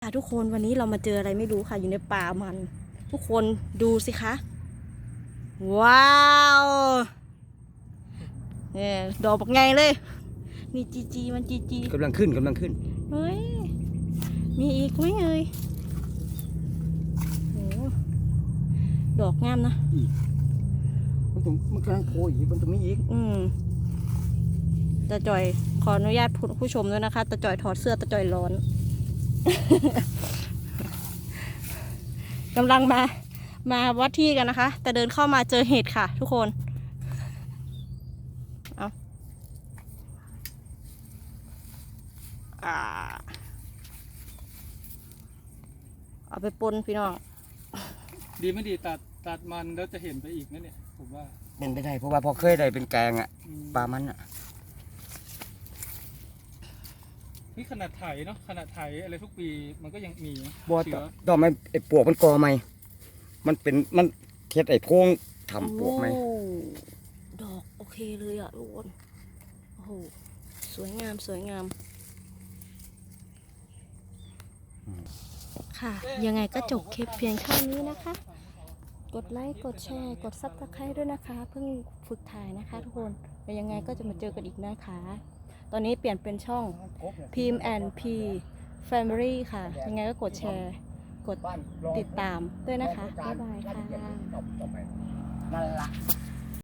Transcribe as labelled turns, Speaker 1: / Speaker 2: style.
Speaker 1: ทุกคนวันนี้เรามาเจออะไรไม่รู้ค่ะอยู่ในป่ามันทุกคนดูสิคะว้าวเนี่ยดอกบักไงเลยนี่จีมันจี
Speaker 2: กำลังขึ้น
Speaker 1: เฮ้ยมีอีกไหมเอ่ยโหดอกงามนะ
Speaker 2: มันกำลังโผล่อีกมันตรงนี้อีก
Speaker 1: ตาจ่อยขออนุญาตผู้ชมด้วยนะคะตาจ่อยถอดเสื้อตาจ่อยร้อน กำลังมาวัดที่กันนะคะแต่เดินเข้ามาเจอเห็ดค่ะทุกคนเอาไปปนพี่น้อง
Speaker 3: ดีไม่ดีตัดมันแล้วจะเห็นไปอีกนั่นเนี่ยผมว่า
Speaker 2: เป็นไปได้เพราะว่าพอเคยได้เป็นแกงอ่ะปลามันอ่ะ
Speaker 3: นี่ขนาดไถเนาะขนาดไถอะไรทุกปีมันก็ยังมี
Speaker 2: บ่ต่อไม่ไอ้ปวกมันกอไหมมันเท็ดไอ้โพงทำปวกไหม
Speaker 1: ดอกโอเคเลยอ่ะทุกคนโอ้โหสวยงามค่ะยังไงก็จบคลิปเพียงเท่านี้นะคะกดไลค์กดแชร์กดซับสไครต์ด้วยนะคะเพิ่งฝึกถ่ายนะคะทุกคนแต่ยังไงก็จะมาเจอกันอีกนะคะตอนนี้เปลี่ยนเป็นช่อง PMNP Family ค่ะยังไงก็กดแชร์กดติดตามด้วยนะคะบ๊ายบายค่ะ
Speaker 2: นั่นละ